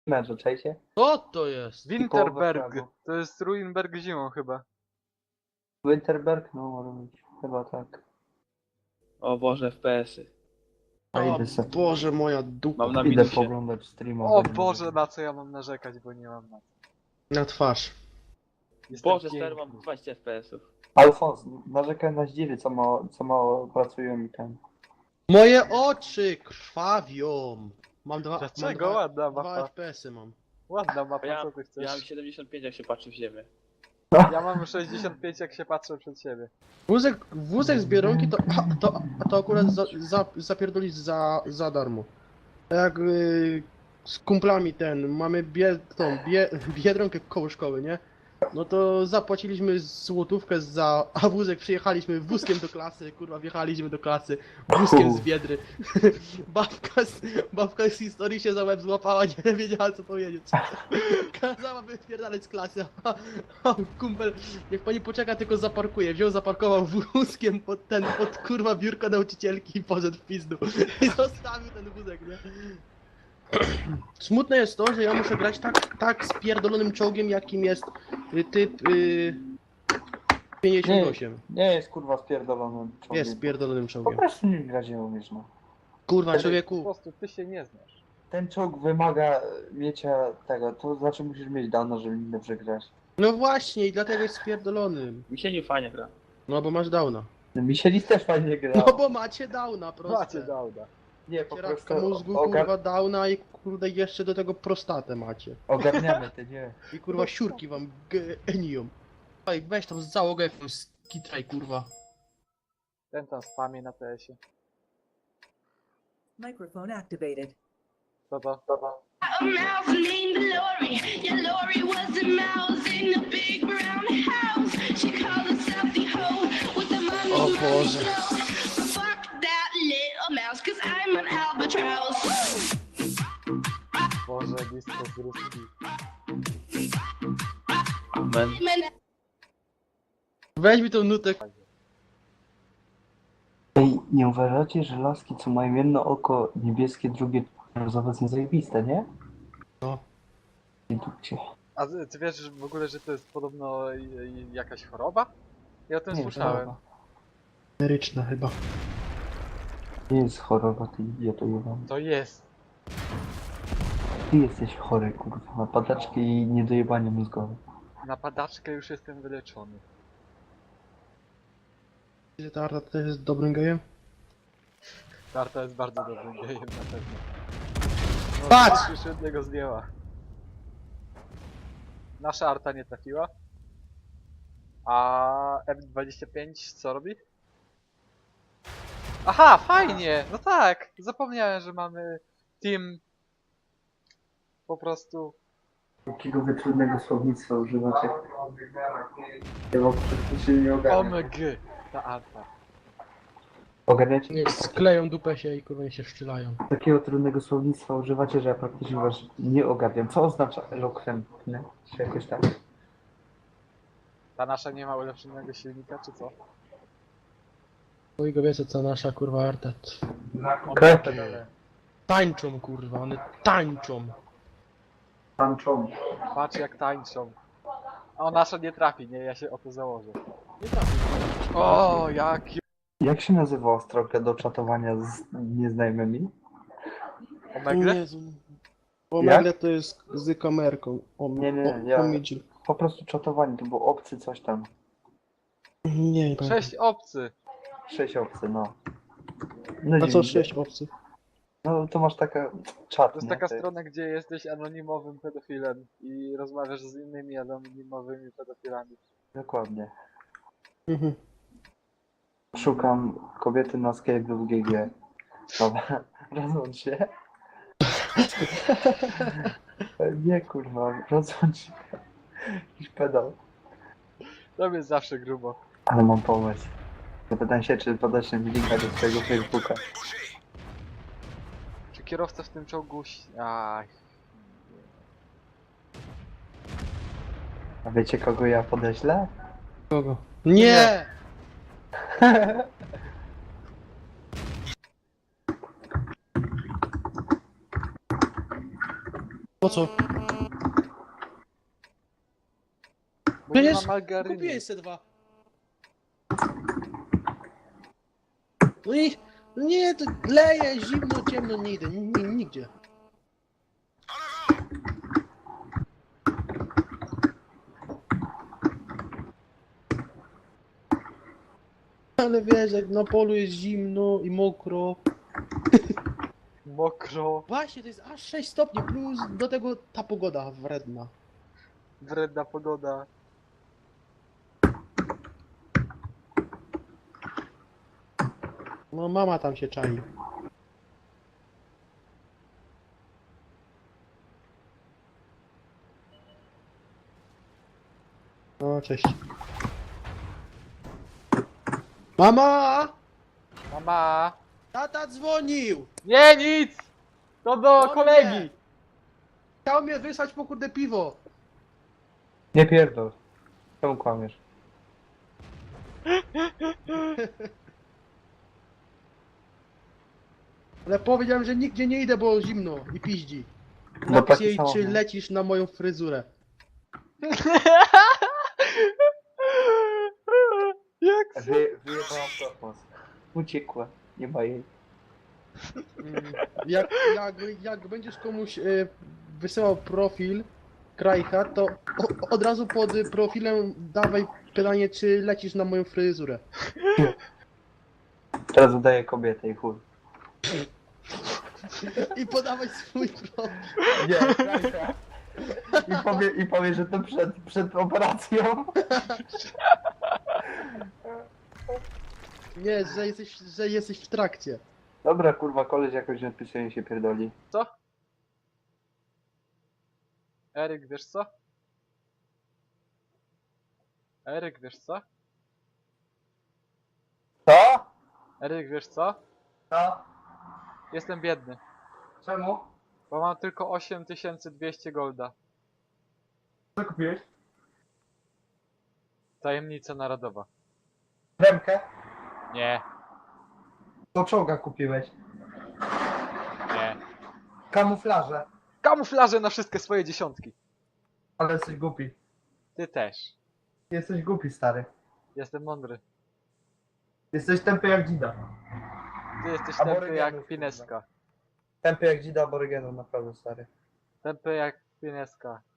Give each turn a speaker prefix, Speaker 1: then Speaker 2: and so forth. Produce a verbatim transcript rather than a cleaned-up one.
Speaker 1: Meczu, czajcie?
Speaker 2: Co to jest?
Speaker 3: Winterberg.
Speaker 1: prawo.
Speaker 3: To jest Ruinberg zimą chyba.
Speaker 1: Winterberg? No może być. Chyba tak.
Speaker 4: O Boże, F P S-y.
Speaker 1: A
Speaker 2: O
Speaker 1: idę se.
Speaker 2: Boże, moja dupa.
Speaker 4: Mam na
Speaker 1: Idę
Speaker 4: minusie.
Speaker 1: poglądać streama.
Speaker 3: O
Speaker 1: będzie
Speaker 3: Boże,
Speaker 1: mówił.
Speaker 3: na co ja mam narzekać, bo nie mam na co.
Speaker 2: Na twarz.
Speaker 3: Jestem
Speaker 4: Boże, stary,
Speaker 3: piękny.
Speaker 4: mam dwadzieścia F P S-ów.
Speaker 1: Alfons, narzekaj na zdziwy, co mało, co mało pracują mi ten.
Speaker 2: Moje oczy krwawią. Mam dwa.
Speaker 3: Dlaczego?
Speaker 2: Mam dwa,
Speaker 3: Ładna
Speaker 2: dwa
Speaker 3: mapa.
Speaker 2: F P S-y mam.
Speaker 3: Ładna mapa,
Speaker 4: Ja,
Speaker 3: co ty
Speaker 4: ja mam
Speaker 3: chcesz?
Speaker 4: siedemdziesiąt pięć, jak się patrzy w ziemię.
Speaker 3: Ja mam sześćdziesiąt pięć, jak się patrzę przed siebie.
Speaker 2: Wózek, wózek z Biedronki to, to, to akurat za, za, zapierdolić za, za darmo. Jak y, z kumplami ten, mamy bie, tą, bie, Biedronkę koło szkoły, nie? No to zapłaciliśmy złotówkę za, a wózek przyjechaliśmy wózkiem do klasy, kurwa, wjechaliśmy do klasy wózkiem z Biedry. babka, z, babka z historii się za łeb złapała, nie wiedziała co powiedzieć. Kazała wypierdalać z klasy, a, a kumpel, niech pani poczeka, tylko zaparkuje. Wziął, zaparkował wózkiem pod ten, pod kurwa biurko nauczycielki i poszedł w pizdu. I zostawił ten wózek, nie? Smutne jest to, że ja muszę grać tak, tak spierdolonym czołgiem, jakim jest y, typ y, pięćdziesiąt osiem.
Speaker 1: Nie jest kurwa spierdolonym człowiekiem.
Speaker 2: Jest spierdolonym
Speaker 1: Po
Speaker 2: czołgiem.
Speaker 1: prostu nie grać nie umiesz, no.
Speaker 2: Kurwa,
Speaker 3: Po
Speaker 2: człowieku.
Speaker 3: prostu ty się nie znasz.
Speaker 1: Ten czołg wymaga miecza tego, to znaczy musisz mieć dawno, żeby nim dobrze grać.
Speaker 2: No właśnie, i dlatego jest spierdolonym.
Speaker 4: Mi się nie fajnie gra.
Speaker 2: No bo masz downa.
Speaker 1: No, Michelis też fajnie gra.
Speaker 2: No bo macie downa, proste.
Speaker 3: Macie dauda.
Speaker 1: Nie, po prostu
Speaker 2: Cieraczka mózgu,
Speaker 1: ogar...
Speaker 2: kurwa, downa i kurde jeszcze do tego prostatę macie.
Speaker 1: ogarniamy te, nie.
Speaker 2: I kurwa siurki wam geniją. Ej, weź tam z załogę jakąś skitraj, kurwa.
Speaker 3: Ten tam spamie na T S-ie.
Speaker 5: Microphone activated.
Speaker 3: Co to?
Speaker 6: A mouse named Lori. Yeah, Lori was a mouse in a big brown house. She called herself the hoe with the mommy
Speaker 2: Oh,
Speaker 6: mommy
Speaker 2: Boże.
Speaker 6: glow. Fuck that little mouse, cause I'm an albatross.
Speaker 3: Boże, blisko z ruski.
Speaker 4: Amen.
Speaker 6: Man,
Speaker 2: Weź mi tą nutę.
Speaker 1: Ej, nie uważacie, że laski, co mają jedno oko niebieskie, drugie brązowe, są zajebiste, nie?
Speaker 2: No.
Speaker 1: Nie dupcie.
Speaker 3: A ty ty wiesz że w ogóle, że to jest podobno i- i jakaś choroba? Ja o tym
Speaker 1: Nie,
Speaker 3: słyszałem.
Speaker 1: choroba.
Speaker 2: Emeryczna chyba.
Speaker 1: Nie jest choroba, ty idioto jebany.
Speaker 3: To jest.
Speaker 1: Ty jesteś chory, kurwa. Ma padaczki i niedojebanie mózgowe.
Speaker 3: Na padaczkę już jestem wyleczony.
Speaker 2: Czy ta Arta też jest dobrym gejem?
Speaker 3: Tarta jest bardzo dobrym gejem na pewno. No,
Speaker 2: Patrz!
Speaker 3: Już jednego zdjęła. Nasza Arta nie trafiła. A F dwadzieścia pięć co robi? Aha, fajnie! No tak! Zapomniałem, że mamy team po prostu.
Speaker 1: Jakiego wy trudnego słownictwa używacie? Ja wam praktycznie nie ogarniam.
Speaker 3: O M G! Ta Arta.
Speaker 1: Ogarniacie?
Speaker 2: Nie, skleją dupę się i kurwa się szczylają.
Speaker 1: Takiego trudnego słownictwa używacie, że ja praktycznie was nie ogarniam. Co oznacza elokwentny? Czy jakoś tak?
Speaker 3: Ta nasza nie ma ulepszonego silnika, czy co?
Speaker 2: Chuj go wiecie co nasza kurwa Arta.
Speaker 1: Kretyn.
Speaker 2: Tańczą kurwa, one tańczą.
Speaker 1: Tanczą.
Speaker 3: Patrz jak tańczą. O, nasza nie trafi, nie? Ja się o to założę.
Speaker 2: Nie trafię.
Speaker 3: O, jak
Speaker 1: Jak się nazywa ostroga do czatowania z nieznajomymi?
Speaker 3: Omegle?
Speaker 2: Jezu. Omegle to jest z kamerką. O,
Speaker 1: Nie, nie,
Speaker 2: o,
Speaker 1: ja-
Speaker 2: omidzi.
Speaker 1: Po prostu czatowanie, to był obcy coś tam.
Speaker 2: Nie, nie pamiętam.
Speaker 3: Sześć obcy.
Speaker 1: Sześć obcy, no. No
Speaker 2: A co
Speaker 1: dziwnie.
Speaker 2: sześć obcych?
Speaker 1: No to masz taka czat,
Speaker 3: To jest
Speaker 1: nie?
Speaker 3: taka
Speaker 1: To jest-
Speaker 3: strona, gdzie jesteś anonimowym pedofilem i rozmawiasz z innymi anonimowymi pedofilami.
Speaker 1: Dokładnie.
Speaker 2: Mhm.
Speaker 1: Szukam kobiety na Skype lub G G. Dobra, rozłącz się. Nie kurwa, rozłącz się. Jakiś pedał.
Speaker 3: To jest zawsze grubo.
Speaker 1: Ale mam pomysł. Zapytam się, czy podać mi linka do swojego Facebooka.
Speaker 3: Czy kierowca w tym czołgu... ś- Aj.
Speaker 1: A wiecie, kogo ja podeślę?
Speaker 2: Kogo? Nie! Po co?
Speaker 3: Bo nie ma
Speaker 2: Przecież
Speaker 3: margaryny.
Speaker 2: kupiłeś se dwa. No i... Nie, to leje, zimno, ciemno, nie idę, ni- ni- nigdzie. Ale wiesz, jak na polu jest zimno i mokro.
Speaker 3: Mokro,
Speaker 2: Właśnie, to jest aż sześć stopni, plus do tego ta pogoda wredna.
Speaker 3: wredna pogoda.
Speaker 2: No mama tam się czai. No, cześć. Mama!
Speaker 3: Mama!
Speaker 2: Tata dzwonił!
Speaker 3: Nie, nic! To do
Speaker 2: No
Speaker 3: kolegi!
Speaker 2: nie. Chciał mnie wysłać po kurde piwo.
Speaker 1: Nie pierdol. Czemu kłamiesz?
Speaker 2: Ale powiedziałem, że nigdzie nie idę, bo zimno i piździ.
Speaker 1: No
Speaker 2: Napisz
Speaker 1: taki
Speaker 2: jej,
Speaker 1: sam,
Speaker 2: czy
Speaker 1: no.
Speaker 2: lecisz na moją fryzurę.
Speaker 3: Jak
Speaker 1: Wy, wyjebałam kosmos. Uciekła. Nie ma jej.
Speaker 2: Mm, Jak, jak, jak będziesz komuś y, wysyłał profil Krajcha, to o, od razu pod profilem dawaj pytanie, czy lecisz na moją fryzurę.
Speaker 1: Teraz udaję kobietę i chuj.
Speaker 2: I podawaj swój profil.
Speaker 1: Nie, Krajka. I powie, I powie, że to przed, przed operacją.
Speaker 2: Nie, że jesteś, że jesteś w trakcie.
Speaker 1: Dobra, kurwa, koleś jakoś napisuje i się pierdoli.
Speaker 3: Co? Eryk, wiesz co? Eryk, wiesz co?
Speaker 1: Co?
Speaker 3: Eryk, wiesz co?
Speaker 1: Co?
Speaker 3: Jestem biedny,
Speaker 1: Czemu?
Speaker 3: bo mam tylko osiem tysięcy dwieście golda.
Speaker 1: Co kupiłeś?
Speaker 3: Tajemnica narodowa.
Speaker 1: Remkę?
Speaker 3: Nie,
Speaker 1: Do czołga kupiłeś.
Speaker 3: nie.
Speaker 1: Kamuflaże.
Speaker 3: Kamuflaże na wszystkie swoje dziesiątki.
Speaker 1: Ale jesteś głupi.
Speaker 3: Ty też.
Speaker 1: Jesteś głupi, stary.
Speaker 3: Jestem mądry.
Speaker 1: Jesteś tępy jak dzida.
Speaker 3: Ty jesteś
Speaker 1: Aborygenów,
Speaker 3: tępy jak
Speaker 1: kurwa.
Speaker 3: Pineska.
Speaker 1: Tępy jak dzida aborygenów, naprawdę, stary.
Speaker 3: Tępy jak Pineska.